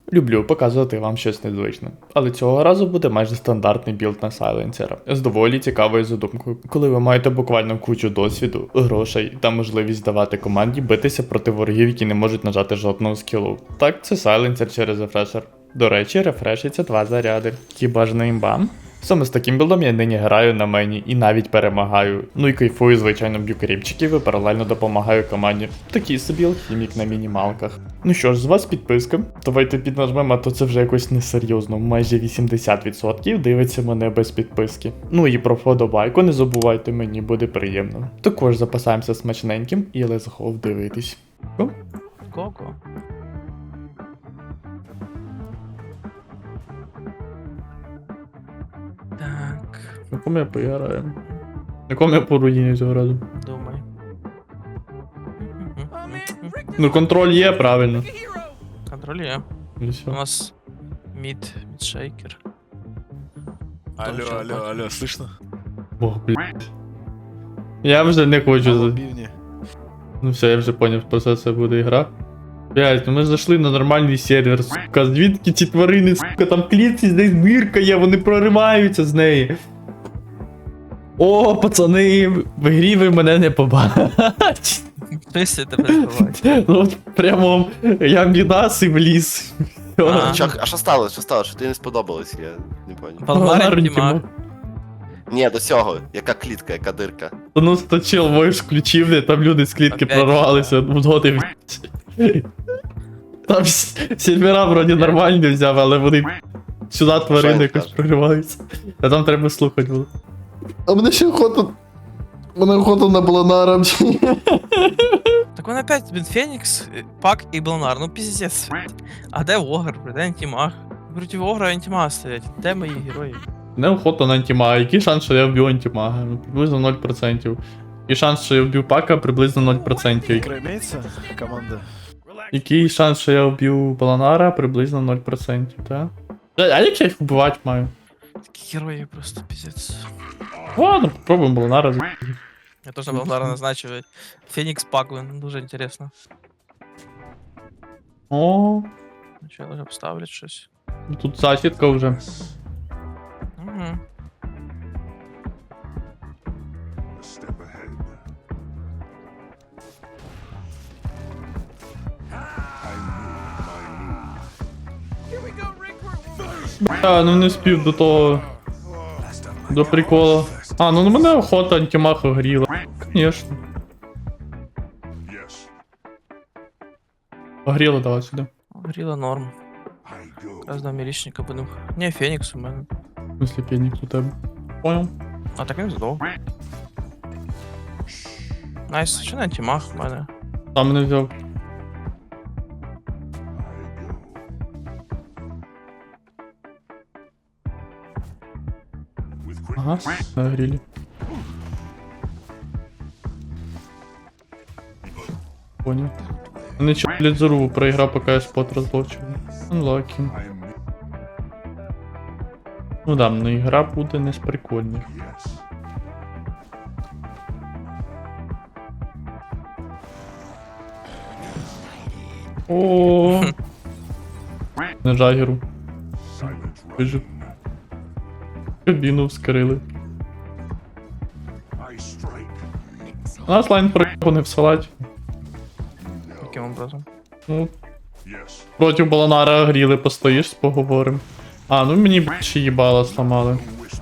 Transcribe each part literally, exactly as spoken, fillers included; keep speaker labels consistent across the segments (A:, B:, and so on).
A: Люблю показувати вам щось незвичне. Але цього разу буде майже стандартний білд на сайленсера. З доволі цікавою задумкою, коли ви маєте буквально кучу досвіду, грошей та можливість давати команді битися проти ворогів, які не можуть нажати жодного скілу. Так, це сайленсер через рефрешер. До речі, рефрешиться два заряди. Хіба ж не імбам? Саме з таким білдом я нині граю на мені і навіть перемагаю. Ну і кайфую, звичайно, б'ю кріпчиків і паралельно допомагаю команді. Такий собі алхімік на мінімалках. Ну що ж, з вас підписка. Давайте піднажмемо, а то це вже якось несерйозно. Майже вісімдесят відсотків дивиться мене без підписки. Ну і про вподобайку не забувайте, мені буде приємно. Також запасаємося смачненьким і let's go дивитись. О?
B: Ко-ко. Так,
A: На кому я поіграю? На кому я по руїні цього разу?
B: думай.
A: Ну контроль є, правильно.
B: Контроль є.
A: І
B: У
A: все.
B: нас мід, мідшейкер.
C: Алло,
B: Там
C: алло,
B: чё,
C: алло, слышно?
A: Ох, блядь. Я вже не хочу.
C: Алло,
A: за-
C: бивни.
A: Ну все, я вже поняв, про це це буде гра. Блять, ну ми зайшли на нормальний сервер, сука, звідки ці тварини, сука, там клітці, десь дирка є, вони прориваються з неї. О, пацани, в грі ви мене не побачите.
B: Писи тебе збивають.
A: Ну от прямо я мідас і в ліс.
B: А.
D: Чак, а що сталося? Що сталося? Що тобі не сподобалось? Я не поняв.
B: Палмарин Тіма.
D: Ні, до цього. Яка клітка, яка дирка.
A: Ну, то чел войш включив, де там люди з клітки
B: Опять,
A: прорвалися, згоди. Там с- сервера вроді нормальні взяв, але вони сюди тварини
D: Що
A: якось
D: він
A: прориваються. А там треба слухати було.
E: А мене ще охота. Мене охота на Бланара.
B: Так он опять, блин, Фенікс, е, Пак і Бланар, ну пиздец. А де Огр, блин, де Антимаг? Проти Огра і Антимага стоять, де мої герої?
A: Не охота на антимага. Який шанс, що я вб'ю антимага? Ну, приблизно нуль відсотків. І шанс, що я вб'ю пака, приблизно нуль відсотків.
C: Игра имеется? Команда.
A: Який шанс, що я вб'ю Баланара, приблизно нуль відсотків, так? А як я їх вбивати маю?
B: Такі герої просто пиздец.
A: Ладно, попробуємо Баланара. з-
B: Я теж на Бланара назначив. Фенікс Пак, блин, дуже інтересно.
A: О,
B: Ну що, вже поставлять щось.
A: тут засідка вже.
B: Угу.
A: А, ну не спів до того. До прикола. А, ну на мене охота антимаха гріла. Конечно. Погріла, давай сюди.
B: Гріла норм. Якраз до мілічника будемо. Ні, Фенікс у мене.
A: В смысле, пенік у тебе. Понял.
B: А так він здох. Найс, що на антимаг в мене?
A: Сам мене взяв. Ага, нагріли. Понял. Ну чо, блядь, зарубу проіграв, поки я спот розлочив. Unlucky. Ну да, ну ігра буде не з прикольних. О, на жагеру. Вижив. Кабіну вскрили. У нас лайн проїхав не в салаті.
B: Яким образом?
A: Ну, проти Баланара гріли, постоїш, поговорим. А, ну мені б ще їбала сломали.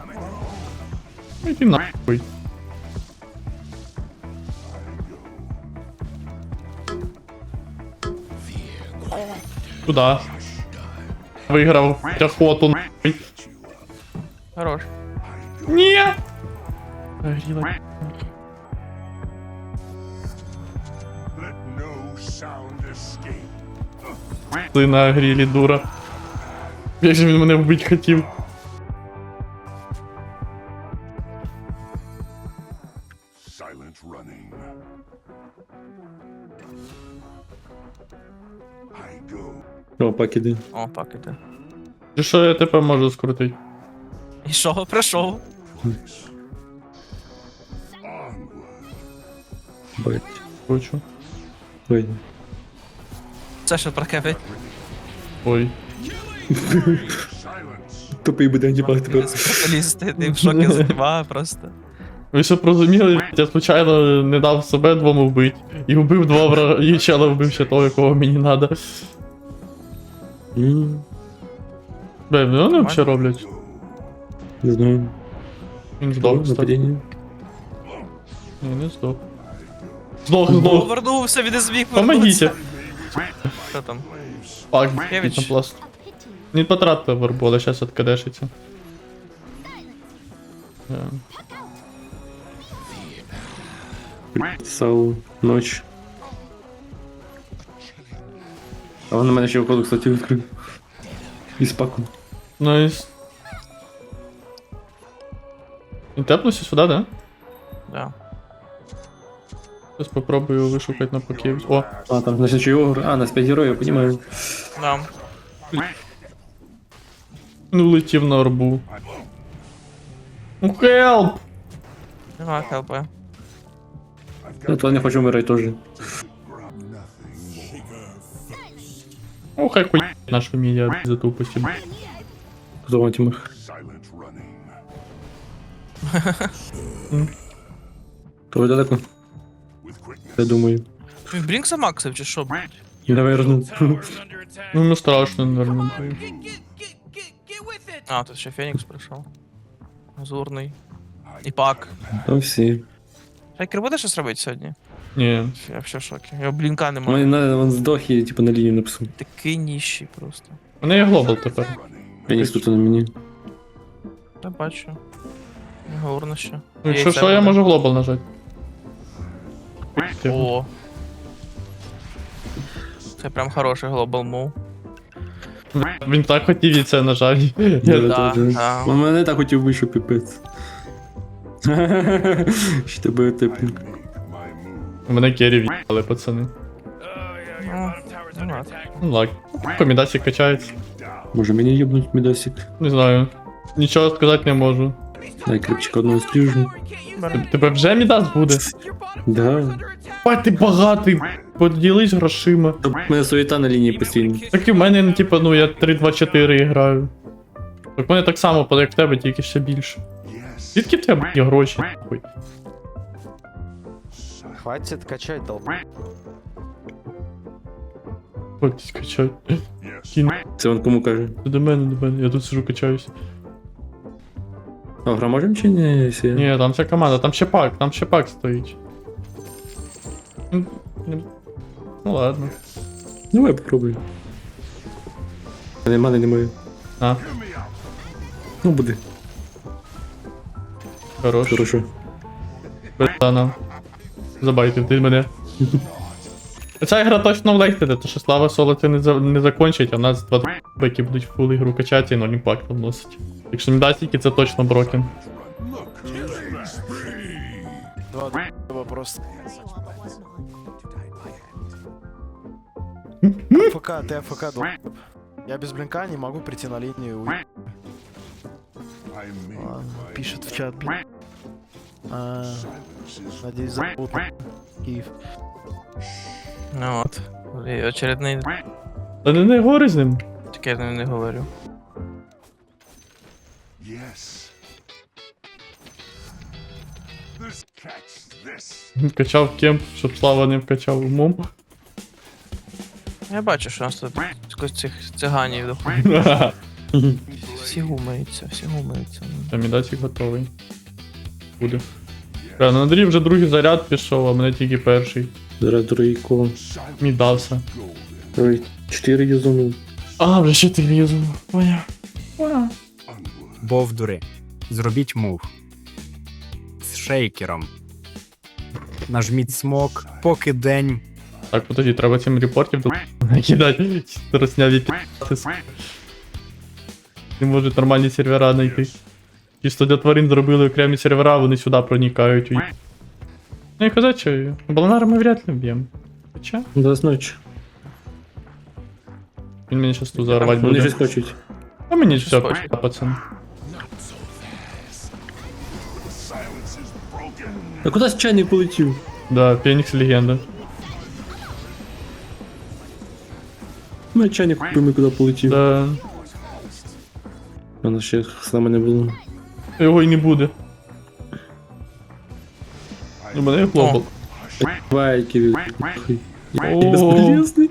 A: Ну іди нахуй. Куда? Виграв охоту нахуй.
B: Хорош.
A: Ні! Гріла. Ти на грілі, дура. Як же він мене вбити хотів.
F: Silent running. I go.
E: О, пакіди.
B: О, пак іде.
A: Чи що я тепер можу скрутити?
B: І що, прийшов?
E: Бать.
A: Хочу.
E: Ой.
B: Це що прокепить?
A: Ой.
F: Silence.
G: Тупий буде антипак тепер.
B: Спеціалісти, ти в шокі з тіма просто.
A: Ви щоб розуміли, я случайно не дав себе двом вбити. І вбив два врага, і чела вбив ще того, якого мені надо.
G: М,
A: Бе, ну вони взагалі роблять.
G: Не знаю.
A: Він здох, кстати.
G: Нападіння.
A: Ні, не здох. Здох, здох.
B: Повернувся, він не зміг
A: Помогіть.
B: повернутися. Що там?
A: Пак,
B: Кевич.
A: на пласт. Не потратив варбола, зараз откадешиться.
G: Сау, ночь. А он на мене ще входу, кстати, відкрив. Із паку.
A: Найс. Він тепнувся сюди, да?
B: Да.
A: Зараз попробую вишукати на пакет. О,
G: А, там, значить, чи огр. А, нас п'ять героїв, я понимаю.
B: Да.
A: він улетів на орбу. Ну хелп!
B: Нема хелпа.
G: Я то не хочу вмирати теж.
A: Ну хай хуй нашу мідіа за тупості.
G: Хто вам тімах?
F: Silent running.
G: То ви далеко?
F: With quickness.
G: Я думаю.
B: Він Брінкса максив чи що, блядь?
G: Наверно.
A: Ну не страшно, наверное.
B: А, тут ще Фенікс прийшов. Азурний. І пак.
G: Там всі.
B: Шайкер буде щось робити сьогодні?
A: Ні.
B: Я в шокі. Його блінка
G: У
B: немає.
G: мене на- він здох і типу на лінію написав.
B: Такий ніщий просто.
A: У мене є глобал тепер.
G: Фенікс тут на мені.
B: Я бачу. Говорно ще.
A: Ну, якщо
B: Яйця
A: що, я
B: буде.
A: можу глобал нажати.
B: О. Це прям хороший глобал мув.
A: Він так хотів і це нажати.
G: Да,
A: Я-
B: Да,
G: да,
B: да.
G: Он мене так хотів вийти, що піпець. Що тебе типу.
F: Make my move.
A: У мене керрі в'їхали, пацани.
B: Ну, ну ладно.
A: Ну ладно. Комідасик качається.
G: Може мені їбнуть мідасик?
A: Не знаю. Нічого сказати не можу.
G: Дай крипчик одного спріжу.
A: Тебе вже мідас буде?
G: Да.
A: Бать, ти багатий. Поділись грошима.
G: Та в мене суєта на лінії постійно.
A: Так і в мене, ну, типа, ну я три два чотири граю. Так в мене так само, як в тебе, тільки ще більше.
F: Yes.
A: Звідки в тебе є гроші? Ой.
C: Хватит качать, долб.
A: Ось качай.
F: Yes.
A: Кін.
G: Це він кому каже?
A: До мене, до мене. Я тут сижу, качаюсь.
G: А гра можем чи ні? Якщо-
A: Ні, там вся команда, там ще пак, там ще пак стоїть. Ну, не- Ну ладно.
G: Давай попробуй. Мене мани немає.
A: А,
G: Ну буде.
A: хорош.
G: Хорошо.
A: Братана. Забайтив ти мене. Ця гра точно влетіде, то що слава соло це не, за, не закончить, а в нас два які будуть фул ігру качати і ноль імпакту вносить. Якщо не дасть тільки, це точно брокен.
C: Два д***ба просто. АФК, ты АФК, долб. Я без блинка не могу прийти на линию. Уй.
F: I made
C: Ладно,
F: my
C: пишет в чат, блин. А,
F: silence is
C: надеюсь, зовут Киев.
B: Ну от. І очередний.
A: Та не, не говори з ним.
B: Таке я не говорю.
F: yes. This catch this.
A: Качав кемп, щоб слава не вкачав умом.
B: Я бачу, що у нас тут якось цих циганів доходить. Всі гумаються, всі гумаються.
A: Та мідасик готовий. Буде. Бля, на Андрій вже другий заряд пішов, а мене тільки перший.
G: Зараз другий коло.
A: Мідався.
G: Ой, чотири юзону.
A: А, вже ще ти лізу. Поняв. Поняв.
H: Бовдури, зробіть мув. З шейкером. Нажміть смок, поки день.
A: Так, подожди, треба цим репортів тут накидати. Росняві пі***ти. Не можуть нормальні сервера знайти. Чисто для тварин зробили окремі сервера, вони сюди проникають. Уй. Ну і казати, що Баланара ми вряд ли вб'ємо. Хоча,
G: До ночі.
A: він мені щас тут зарвати
G: Вони
A: буде.
G: щось хочуть.
A: А мені все,
B: хоче.
A: пішла, пацан.
F: Silence is broken.
G: А куди чайник полетів?
A: Да, Фенікс легенда.
G: Ми чайник купимо, куди полетів.
A: Да.
G: У нас ще з нами не було.
A: Його й не буде. У мене є глобал.
G: Байки від...
A: О.
G: Безполезний.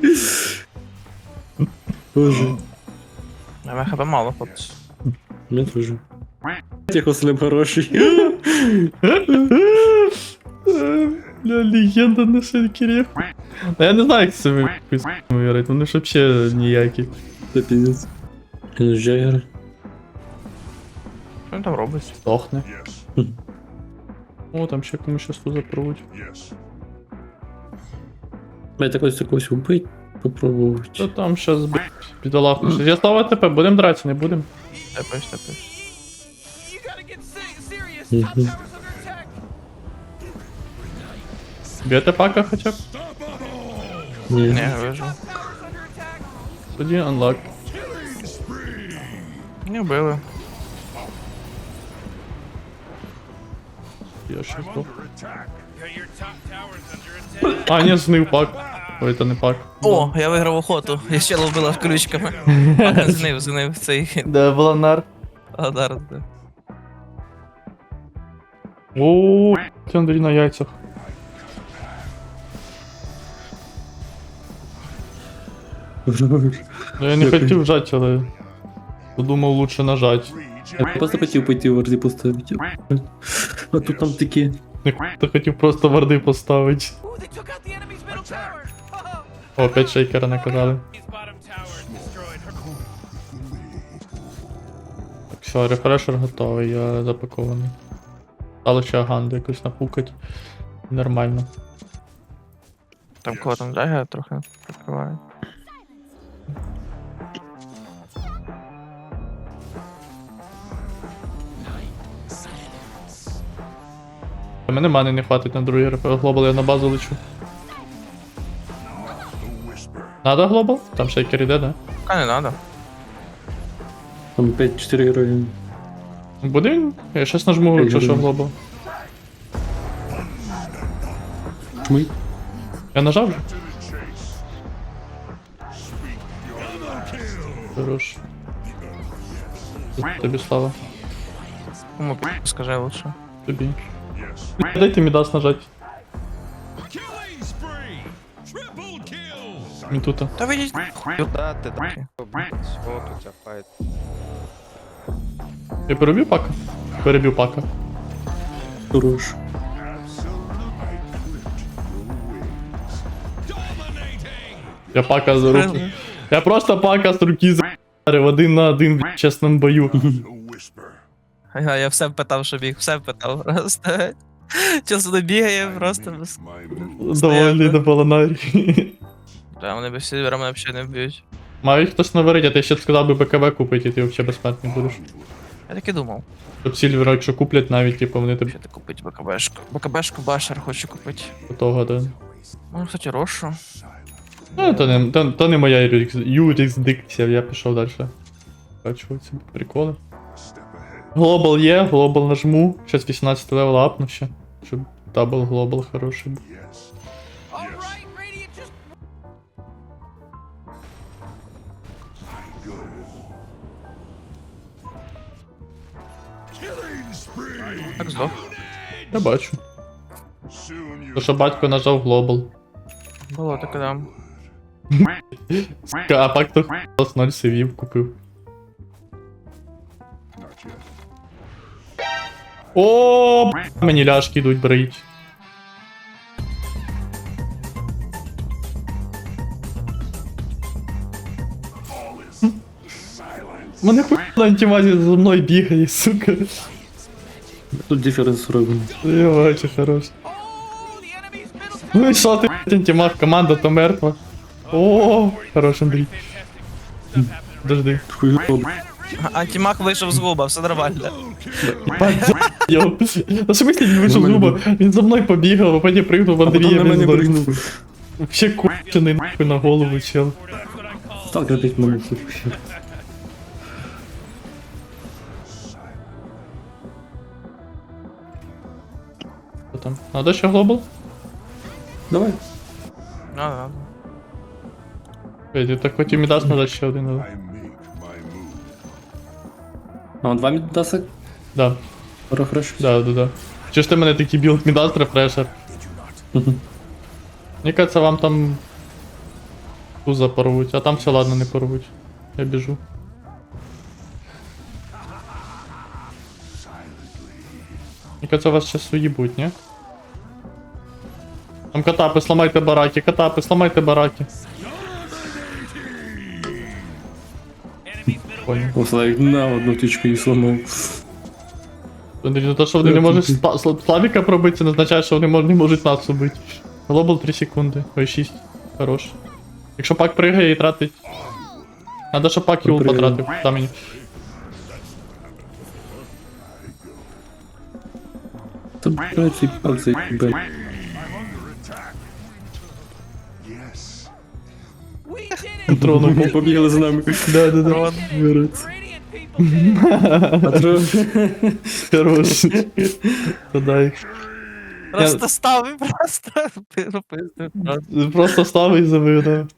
G: Боже.
B: А мене хп мало, хлопці.
G: Мне тоже. Тихо, слим хороший.
A: Бля, легенда на шейкері. Я не знаю, як це виграти, вони ж взагалі ніякі.
G: Це пиздец. Він Джаггер.
B: Що він там робить?
A: Здохне. О, там ще комусь щас тут запруть.
F: Yes.
G: Блять, так ось такось убить. Попробувати.
A: Та там щас б... бідолаху. Я слава ТП, будем драться, не будем?
B: Тепеш, тепеш.
G: Мгм.
A: Б'єте пака хоча б?
G: Ні.
B: Не, вижу.
A: Тоді unlock.
B: Не вбили.
A: Я ще здох. А, ні, знив пак. Ой, це не пак.
B: О, я виграв охоту. Я ще ловила ключками. А, знив, знив цей
A: Де Волонар?
B: Адар. да.
A: О, це Андрій на яйцях. Ну, я не
G: Дякую.
A: хотів жать, але подумав лучше нажать.
G: Я просто хотів пойти в арді поставити. А тут там такі.
A: Я хотів просто варди поставити. О, опять шейкера наказали. Так, все, рефрешер готовий, я запакований. Стало ще ганду якусь напукать. Нормально.
B: Там кого там ляга трохи прикриває.
A: У мене мани не хватить на другий РФ. Глобал я на базу лечу. Надо глобал? Там шейкер іде, да?
B: А не надо.
G: Там п'ять-чотири герої.
A: Буде він? Я щас нажму, якщо що глобал.
G: Чмий.
A: Я нажав вже? Хорош. Тобі слава.
B: Кому пі- скажи лучше.
A: Тобі. Дайте мідас нажать. Він тут.
B: Та видіть.
I: Да, ти так.
B: Окей.
I: От у тебя файт.
A: Я перебив пака? Перебив пака.
G: Хорош.
A: Я пака за руку. Я просто пака з руки за***рив один на один в чесному бою.
F: The whisper.
B: Ага, я все впитав, що біг, все впитав просто. Часу не бігає, просто без...
F: My
A: Довольний до полонарі.
B: Та вони без сільвера мене взагалі не вб'ють.
A: Мають хтось наварить, а ти ще сказав би БКВ купити, і ти взагалі безплатний будеш.
B: Я так і думав.
A: Щоб сільвера, якщо куплять навіть, типу, вони тобі
B: Що ти купити БКБшку? БКБшку Башер хочу купити.
A: до того, да.
B: Може, кстати, Рошу.
A: Ну, то не, то, то не моя юрис- юрисдикція, я пішов далі. Бачу ці приколи. Глобал є, глобал нажму. Щас вісімнадцять левел апну ще. Щоб дабл глобал хороший був.
B: Так здох.
A: Я бачу.
F: soon you
A: То що батько нажав глобал.
B: Було таке дам.
A: А пак то хтось ноль сивів купив.
F: not yet.
A: О, б**, мені ляшки йдуть брить. Мене хуй на антимазі за мною бігає, сука.
G: Тут диференс робимо.
A: Я бачу, хорош. Ну і що ти, блядь, антимаг, команда то мертва. О, хорош, Андрій. Подожди.
G: Хуйово.
B: Антимаг вийшов з губа, все нормально.
A: Йо. На що мислі він вийшов з губа? Він за мною побігав, а потім пригнув в
G: А потім
A: Андрія.
G: на мене
A: він
G: пригнув.
A: Вообще кончений нахуй на голову, чел.
G: Сталкер п'ять момент, слухай.
A: Що там? Надо ще глобал?
G: Давай.
B: Надо, надо.
A: Федя, так хотів Мідас надати ще один, але...
F: I make my move.
G: А он два міддаси?
A: Да,
G: Рефреш?
A: да, да, да. Чи ж ти мене такий білд Мідас рефрешер? Мені кажется, вам там туза порвуть, а там все ладно, не порвуть. Я біжу. Мені кажется, вас сейчас уїбуть, ні? Там катапи, сламайте бараки, катапи, сламайте бараки. Понял.
G: О, Славік на одну тичку і сломав.
A: Андрій, ну то, що вони не можуть Сла- Сла- Славіка пробити, це не означає, що вони мож- не можуть нас убити. Глобал три секунди. Ой, шість. Хорош. Якщо пак пригає і тратить. Надо, щоб пак юл
G: Пригає.
A: потратив. Дай мені.
G: Та блядь, цей пак заїбе.
F: Yes.
A: Трону.
G: Побігли за нами.
A: Да, да, да.
G: Вирить. Патрон.
A: Хорош. Подай.
B: Просто ставив, просто пиздив.
A: Просто став і забив, да.